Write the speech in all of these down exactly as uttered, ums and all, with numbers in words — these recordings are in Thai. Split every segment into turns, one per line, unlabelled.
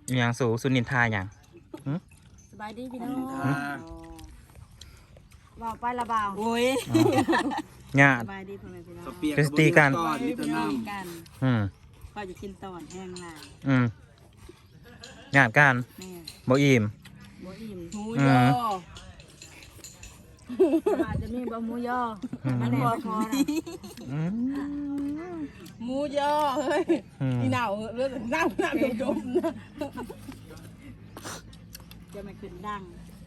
อย่างสูสุนินทาอย่าง
สบายดีพี่น้องบ่าวไปละบ่าวโอ้ย
งา
สบายดีพ่อแม่พี่น้อง
เฟสตีกัน
นี่เป็นน้ำกัน
อืม
ก็จะกินตอนแห้งลาย
อืมงานการบ่อิ่ม
บ่อิ่ม
หมูยอ
อาจจะมีบะหมูยอมันบ่พอนะ
หมูยอเฮ้ยนี่หนาวเรื่องหนาวหนาวจมๆนะ
จะไม่ขึ้นดัง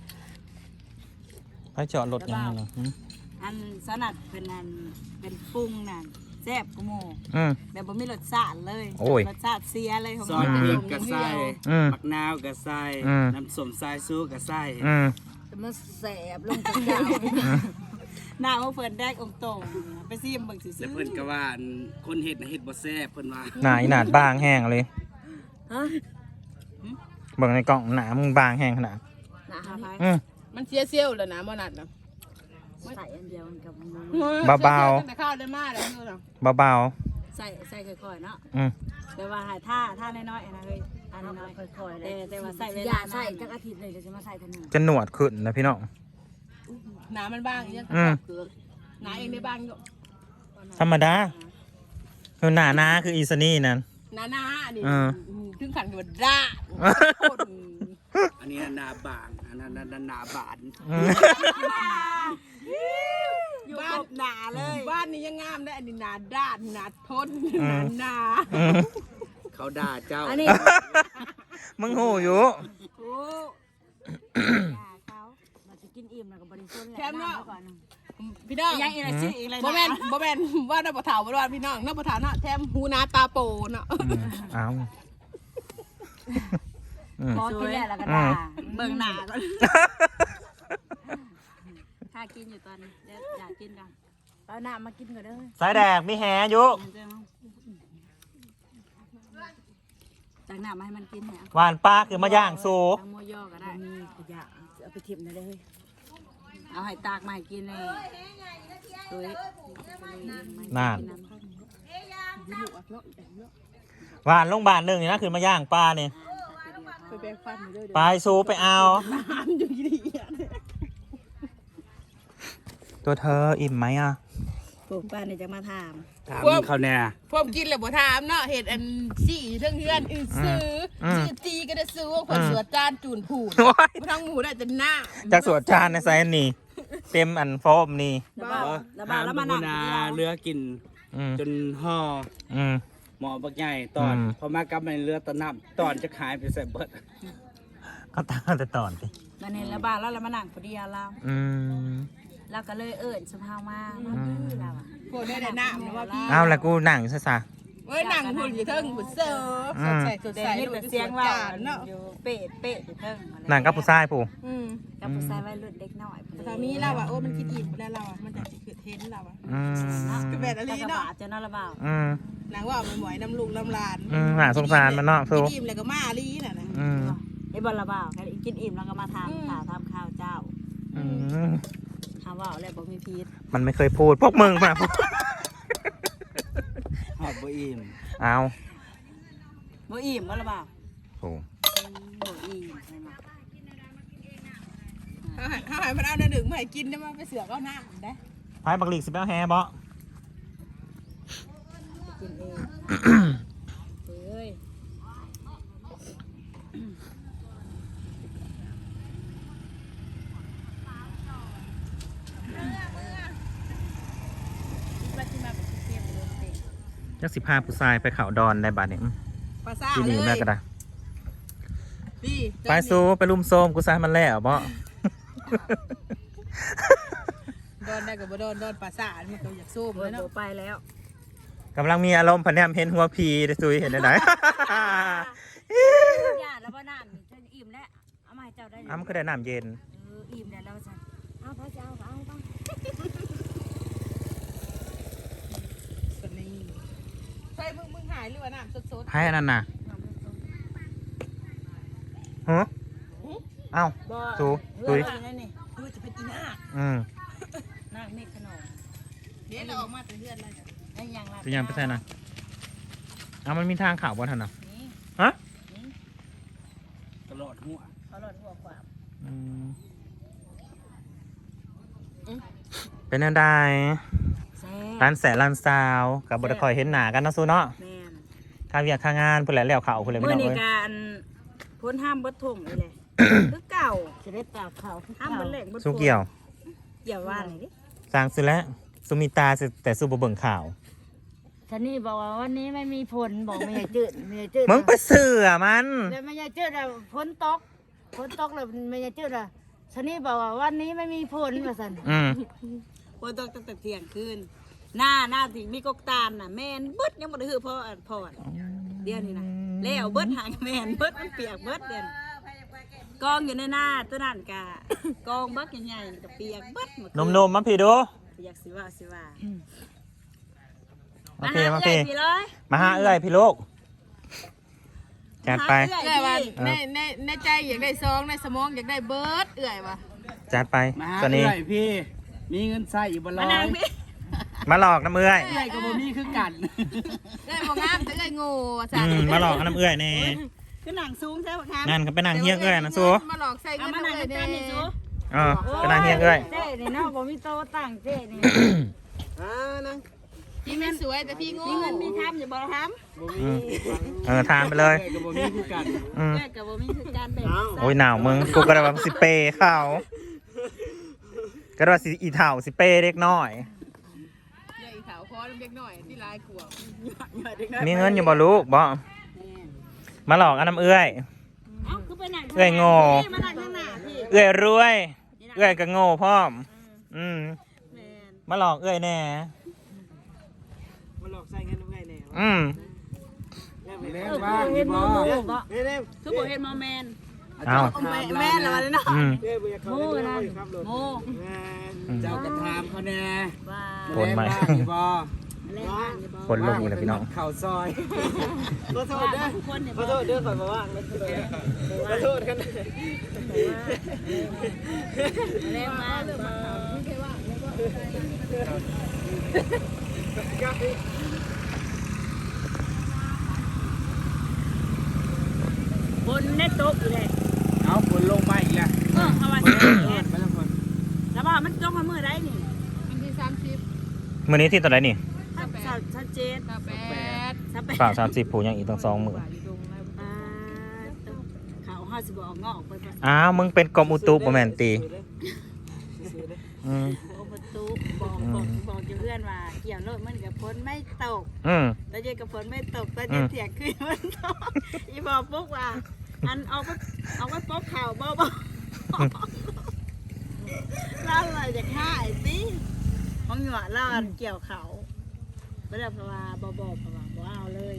ไปจอดรถยังไงล่ะ
อันสนัดเป็นอันเป็นปรุงนั่นแซ่บกูโม
อืม
แบบบ่มีรสชาติเลย
โอ้ย
รสชาติเสียเลยของ
ซอส
มัน
พริกกระใส่
อืม
ผักนาวกระใส่
อืม
น้ำส้มสายซูกระใส่
อืม
จะมาแสบลงกระเจ้าหน้าว่าเฟิร์นแดกองตรงไปซิมเบิ่งสิซื้
แล้ว
อ
เพิ่นก็ว่าอันคนเฮ็ดน่ะเฮ็ดบ่แซ่บเพิ่นว่า
หนาอีหนาดบางแห้งเลย
ฮะ
เบิ่งในกล่องหนามึงบางแห้งขนาด
หน้าหาไผ
อืม
มันเสียเซี่ยวแล้วนะมอนัดนะ
ใส่อันเดียวกับหมู
เบาๆ
แต่ข้าวได้มากเลยนี่เนาะ
เบา
ใส่ใส่ค่อยๆเนาะ
ๆอืม
แต่ว่าหาท่าท่าน้อยๆนะเฮ้ยท่าน้อยๆค่อยๆแต่แต่ว่าใส่เวลาใส่จักอาทิตย์เลยเดี๋ยวจะมาใส่ทันหนึ่ง
จะหนวดขึ้นนะพี่น้อง
หนามันบางยัง
อืม
หนาเองได้บางอยู่
ธรรมดาคือหนาหนาคืออีสนี่นั่น
หนาหนาดิ
เออ
ถึงขันกับด่า
อันนี้หนาบางอันนั้นหนาบาน
อืม
อยู่ครบหนาเลย
บ้านนี้ยังงามได้อันนี้หนาด้านหนาทนหนาหนา
อืม
เขาด่าเจ้า
อันนี้
มึงหูอยู่
โอ้เขาเราจะกินอิ่มแล้วก็บริสุทธิ์แหละน้ำก่อน
พี่น้อง
ยังอีกอะไรชื่ออีกอะไร
บ่แม่นบ่แม่นว่าน้าปะเถาบ่ว่าพี่น้องน้าปะเถาเนาะแถมหูนาตาโปเนาะ
อืมเอาอืม
พอกินแล้วแล้วก็ด่าเบิ่งหนาก่อนถ้ากินอยู่ตอนนี้เดี๋ยวอยากกินกันเอาหน้ามากินก่อนเด้อ
สายแดกมีแหอยู่
จากหน้ามาให้มันกินเนี่ย
หวานปลาคือมาย่างสู
ทั้งโมย่อก็ได้มีขยะเอาไปทิมได้เลยเอาให้ตากมาให้กินเลยโดย
นานหวานลงบานหนึ่งนี่นะคือมาย่างปลาเนี่ย
ไปแบ่งฟันอยู่ด้วย
ไปสูไปเอา
น้ำอยู่ดีอ่ะ
ตัวเธออิ่มไหมอ่ะ
ปลูกป้าเนี่ยจะมาถาม
ถามเขาแน่
พวกกินแล้วบ่ถามเนาะเห็ดอันสี่เรื่องเฮือนอือซื้อซื้อตีก็ได้ซื้อว่าคนสวดจานจูนผูด
โอ้ย
บ่ทั้งหมูได้แต่หน้า
จากสวนจานในไซน์นี่ เต็มอันโฟมนี่
แล้วบ้าแล้ว
ถา
บ้าม แล้ว
ดู
มานั่ง
นา
กิน
เรือกิน
อืม
จนห่อ
อืม
หมอบักใหญ่ตอน
อืม
พอมากลับมาในเรือตะน้ำตอนจะขายไปใส่เบิด
ก็ตามแต่ตอนสิ
มันเห็นแล้วบ้านแล้วเรามานั่งพอดีเรา
อืม
เราก็เลยเอิญสุภาพมามาพี่เราอ่ะ
พวกได้แต่หน้านะว่าพี่
เอาแล้วกูหนังซะซะ
เว้ยหนังหุ่นอยู่เทิงหุ่นเสิร์ฟสดใสสด
แต่
ใส
นี่
ดู
เป็น
เสี
เสี
ย
ย
ง
ง
ว่า
ว่า
เนาะ
อยู่เป๊ะเป๊ะอยู่เทิง
หนังกับผู้ชายผู้
อืม
กับผู้ชายวัยรุ่นเด็กน้อย
แต่ตอนนี้เราอ่ะโอ้มันคิดอิ่มแล้วเราอ่ะมันจะคือเทนเราอ่ะ
อืม
ก็แบบอะไร
แล้วก็
เนาะ
บาดจะนอนระบาด
อืม
หนังว่ามันหมอยน้ำลุงน้ำลาน
อืมหาสงสารมันเนาะ
คิ
สู้
ดอิ่มแล้วก็มาลีน่ะนะ
อืม
ไอ้บอลระบาดกินอิ่มแล้วก็มาทำข่าวทำข้าวเจ้า
อืม
ทำว่าอะไรบอกมีพีษ
มันไม่เคยพูด พวกมึงมาพูด
หอบบ่อิ่ม
เอา
บ่อิ่มบอลระบาด
โอ้
บ่อิ่มใช่ไหม
เขาหายเขาหายมันเอาหน้าหนึ่งมาให้กินได้มาไปเสือกเอาหน้าได้
พายบักหลีกสิบแปดแฮบ่
กินเองเฮ้ยว่าที่มาเป็นเทียบเลยเด็ก
ยักสิบห้าผู้ชายไปเขาดอนได้บาดเนี่ย
ภาษา
ที่
เล
นี่
ย
แม่ก็ได้
ดี
ไปสู้ไปลุ่มโซมกูซายมันแล้วบ่
โดนได้กับบ่โดนโดนภาษามันก็อยากสู้
โอ้
เลย ยเนาะ
ไปแล้ว
กำลังมีอารมณ์พันแนมเห็นหัวพีได้ซุยเห็นได้ไหน
ญาติแล้วบ่น้ำจะอิ่มแล้วเอามาให้เจ้าได้เลย
อ้ำก็ได้น้ำเย็น
เอออิ่มแล้วแล้วจ้ะเอาพระเจ้าเอาต้อง
ส่วนนี้ใช่มึงมึงหายหรือว่าน้ำสด
ให้อันนั้นน่ะฮะเอ้า สู้
ตุ้
ตุ้
ย
ย
นั่นนี่
ๆดูจะเป็นอีหน้า
อืม
นั่งเมฆขนม
เดี๋ยวเราออกมาแต่เฮือนแล้วจ้ะ
ไอ้ยังล่ะ
จะยังไปใส่นะเอามันมีทางข่าวบ่ทันน่ะ
นี่
ฮะ
ลอดหัว
เขาหลอดหัวความ
อืมเป็นอะไร
แซ่
ร้านแสนร้านซาวกับบไดคอยเห็นหนากันเนาะซูเนาะ
แม่น
ข้าวเวียกข้างงานเพื่อนแหละแล้วเขาเพื่อนเลย
เมื่
ไม่
อ
น้อง
ใน
เอ้ย
การพ้นห้ามบดถงเลยแหละ คือเก่าจะได้ตากเขาห้ามบดเหล็กบด
สู้เกี่ยว
เกี่ยวว่าอะไรดิ
สร้างสุดแล้วสุมิตาสิแต่สู้บ่เบิ่งข่าว
ท่านี่บอกว่าวันนี้ไม่มีฝนบอกไม่ใช่จืดไม่ใช่จืด
มึงไปเสือมัน
แล้วไม่ใช่จืดอะฝนตกฝนตกแล้วไม่ใช่จืดอะท่านี่บอกว่าวันนี้ไม่มีฝนว่าสัน
อืม
ฝนตกตั้งแต่เที่ยงคืนหน้าหน้าที่มีกกตาลน่ะแม่นเบิดยังบ่ได้ฮือพ่อพ่อเดี๋ยวนี้นะแล้วเบิดหางแม่นเบิดมันเปียกเบิดเดี๋ยวนี้กองอยู่ในหน้าตัวนั่นกะกองบักใหญ่ๆกับเปียกเบิดหมด
นมนมๆมาพี่ดู
อยากสิว่าสิว่า
มาพี่มาพี่
พี่เลย
มาหาเอื้อยพี่ลูกจัดไป
หา
เอื่อยว่า
พี่
ในในในใจอยากได้ซองในสมองอยากได้เบิร์ดเอื่อยว่ะ
จัดไป
มาหา
ตัวนี้
เอื้อยพี่ มีเงินใส่อยู่บ่ร้
มา
อย
นางพี่
มาหลอกน้ำเอื้อย
เอื้อยก็บ่มีคือกัน
เอื่อยบ่งามแต่เอื่อยโง่ว่ะ
อื
จ้ะ
มมาหลอกน้ำเอื้อยแน่
คือหนังซูมใช่ไหมครับ
นั่นก็เป็นนางเฮียเอื้อยนะซู
มาหลอกใส่
เอา
เงิน
มาหนัง
เอื่อย
กัน
เด้
นี่ซู
เออเป็นนางเฮียเอื้อย
เจ๊นี่เนาะบ่มีโตตั้งเจ๊นี่
พี่แม่นสวยแต่พี่โง่
มีเงินมีทำอย่าบอกท
อืมเออทานไปเลย
เอื้อยก็บ่มีคือกัน
อืม
ำแม่กับบ่มีคือการแบ่ง
โอ้ยหนาวมึงกูก็ได้ว่าสิเปย์เขาก็ได้ว่าสิอีเถ่าสิเปย์เล็กน้อย
ใหญ่ขาวคอเล็กหน่อยที่ลายกลัว
มีเงินอยู่บ่ลูกบ่มาหลอกอันน้ำเอื้อย
เอ้าคือไปหนัง
เอื้อยโง่
มาหนังข้างหน้าพี่
เอื้อยรวย เอื้อยก็โง่พร้อม อืม
แม่น
มาหลอกเอื้อยแน่
มาหลอกใส่เงินน้ำไงแน่วะ
อืม
แม่
เออ
ว่า
คือ
อ
เห็
ยู่
นโม
บ่
โม่บ่
เน่เน่
คือบ่เห็นโมแมน
เอา
แม่แม่ละวันนี้เนาะ
อืม
เอ้ยบุญเขา
โม่
เล่น
นั่น
ด้วยครับรถ
โม่
แม่
อืม
เจ้าก็ถามเขาแน่
ว่า
โผล่มา
แม่ว่าอยู่บ่
แรงมากอย่าบอก
คนลงอีกแล้วพี่น้อง
เข้าซอย
ขอโทษเด้อ
คนเนี่ย
ขอโทษเด้อขอมาว่างเลยขอโทษกัน
แรงมาก บนเน็ตโต๊ะอยู่เลย
เอาฝนลงมาอีกแล้ว
เออเอาวัน
ไป
นี้
แล้วคน
แล้วว่ามันต้องมาเมื่อไรนี่
วันที่สามสิบ
มื้อนี้ที่ตัวไหนนี่
ชัดชัดเจน
กาแฟ
ชัดไป
ฝ่ากสามสิบผูยังอีกตั้งสองมื้อ
เขาห้าสิบออกงอกไปประ
อ้าวมึงเป็นกรมอุตุบ่แม่นตีอืม
ตูบอกบอกบอกเพื่อนว่าเกี่ยวรถมันกับฝนไม่ตก
อืม
ตอนเย็นกับฝนไม่ตกตอนเย็นเถียงขึ้นมันตกอีบอกปุ๊กว่าอันเอาไปเอาไปป๊อกข่าวเบาๆเล่าอะไรจากห้าไอ้สิมองหยวดเล่าอันเกี่ยวเขาไม่ได้เพราะว่าบอบเพราะว่าบ่เอาเลย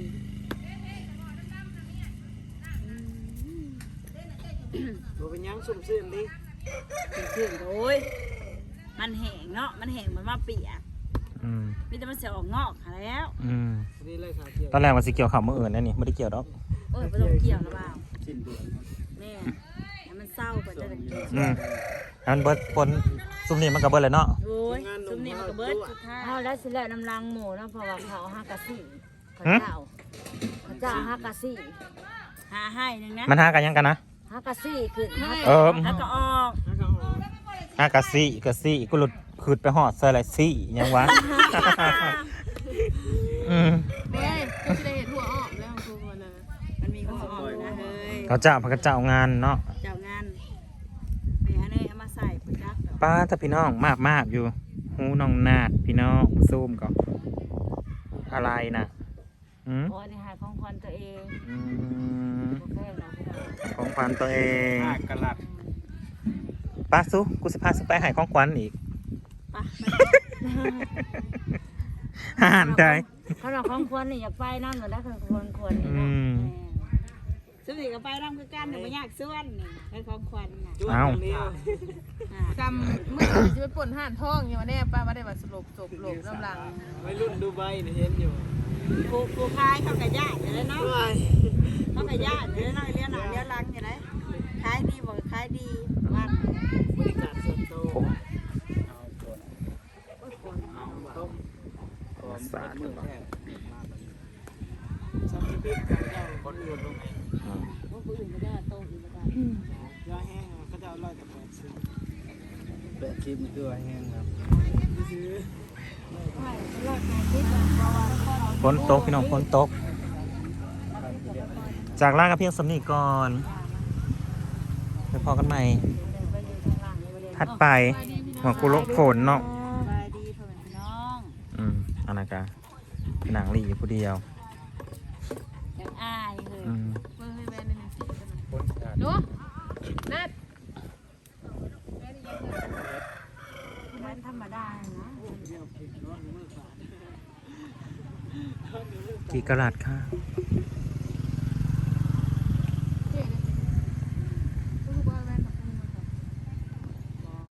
ตัวเป็นยังสุ่มซื่นดิ
ถึงโอ้ยมันแห้งเนาะมันแห้งเหมือนมาเปียก
อืม
มีแต่มันเสียออกงอกหาแล้ว
อืม
นี่เลยขาเกี่ยว
ตอนแรกว่าสิเกี่ยวข้าวมื้ออื่นนั่นนี่ไม่ได้เกี่ยวดอก
โอ้ยไม่ต้องเกี่ยวนะบ่าว
สิ้นเดือน
แม่ให้มันเศร้ากว่าจะได้เกี่ยว
อืมแล้วมันเบิดปนซุมนี้มันก็เบิดเลยเนาะ
โอ้ยซุมนี้มันก็เบิดสุดท้าย
เอาแล้วสิแล้วน้ำลังหมูนะเพราะว่าเขาเอาฮักกะซี่เขา
หึ
เจ้าเขาเจ้าฮักกะซี่
หาให้หนึงนะ
มันหากันยังกันนะ
ฮักกะซี่คือฮัก
เออ
แล้วก็ออก
แล้วก็ออก
หากะซี่กะซี่กูหลุดขืดไปหอดใส่อะไรซี่ยังวะ อืม
เด้ก็จะได้เห็นหัวออกแล้วทุกคนนะ
มันมีหัวออกนะเฮ้ย
เขาเจ้าพระเจ้างานเนาะ
เจ้างานไปหาเนยเอามาใส่ปุ๋ยจักดอก
ป้าถ้าพี่น้องมากมากอยู่หูน้องนาดพี่น้องซูมก่อนอะไรนะอืม
โอ้ยนี่หายของควันตัวเอง
อืม
โอเคนะพี่น้อง
ของขวัญตัวเอง
ภาคกะลัด
ป้าซุกูสิพาสุไปใหายของขวัญอีก
ไป
ห่านใจ
เขาเราของควันนี่อย่าไปนั่นเหมือนได้คือควรควรนี่
อื
เนาะ
ม
ซุมนี้ก็ไปร่ำคือกันแต่ไม่ยากส่วนนี่เป็นของขวัญน่ะ
จุ๊บ
เอ้า
เดียว
อ่า
จำเมื่อจะไปป่นห่านท้องอยู่วันนี้ป้าไม่ได้มาสลบศพหลบน้ำลัง
วัยรุ่นดูใบเนี่ยเห็นอยู่
ครูครูคายเขากระยาอยู่เลยเนาะ
ว้าย
เขากระยาอยู่เลยเนาะเลี้ยงหนาเลี้ยงหลังอยู่เลยขายดีบอกขายดีว่า
บริการส่วนตัว
ผม
เอาต้มต้ม
สาด
มือแท้
ซัมมิบิกการเจ้าคนอยู่ลง
ออืม
ยาแห้งเขาจะเอาร้อยแต่แปดสิบ
แปดสิบนี่คือว่าแห้งครับ
ซื้อ
ฝนตกพี่น้องฝนตก จากล่ากับเพียงสำนีก่อนไปพอกันใหม่ถัดไปหัวกูลกฝนเนาะ
สบายดีพ่อแม่พี่น้อง
อืมอันนั้นกะหนังหลีอยู่ผู้เดียว
ยังอายเลย
อืม
เบิ่งให้แม่นิดนึงหนูนัด
มันธรรมดานะ
กี่กะลัดค่ะ